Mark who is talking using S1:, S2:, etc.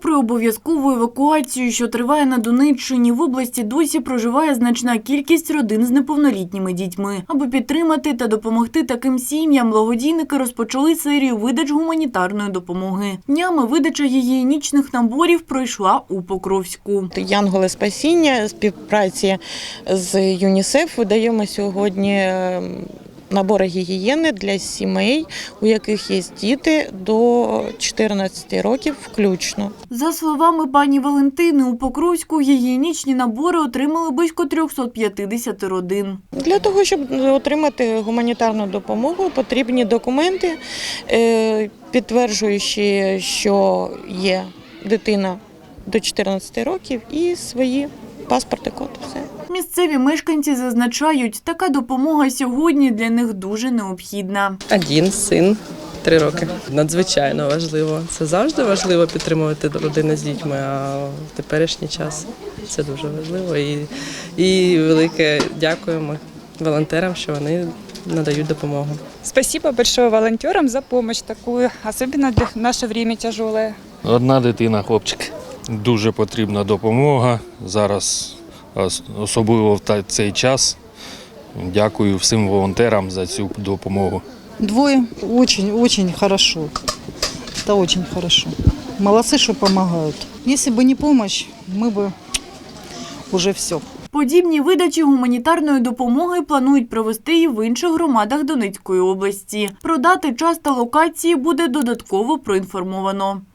S1: Попри обов'язкову евакуацію, що триває на Донеччині, в області досі проживає значна кількість родин з неповнолітніми дітьми. Аби підтримати та допомогти таким сім'ям, благодійники розпочали серію видач гуманітарної допомоги. Днями видача гігієнічних наборів пройшла у Покровську.
S2: Янголи спасіння, співпраці з ЮНІСЕФ видаємо сьогодні набори гігієни для сімей, у яких є діти до 14 років включно.
S1: За словами пані Валентини, у Покровську гігієнічні набори отримали близько 350 родин.
S2: Для того, щоб отримати гуманітарну допомогу, потрібні документи, підтверджуючи, що є дитина до 14 років і свої паспорти, код, все.
S1: Місцеві мешканці зазначають, така допомога сьогодні для них дуже необхідна.
S3: Один син, 3 роки. Надзвичайно важливо. Це завжди важливо підтримувати родини з дітьми, а в теперішній час це дуже важливо. І велике дякуємо волонтерам, що вони надають допомогу.
S4: Спасибо большое волонтерам за помощь такую, особенно для наше время тяжелое.
S5: Одна дитина, хлопчик. Дуже потрібна допомога зараз, особливо в цей час. Дякую всім волонтерам за цю допомогу.
S6: Двое очень хорошо. Это очень хорошо. Молодцы, что помогают. Если бы не помощь, мы бы уже все.
S1: Подібні видачі гуманітарної допомоги планують провести і в інших громадах Донецької області. Про дати, час та локації буде додатково проінформовано.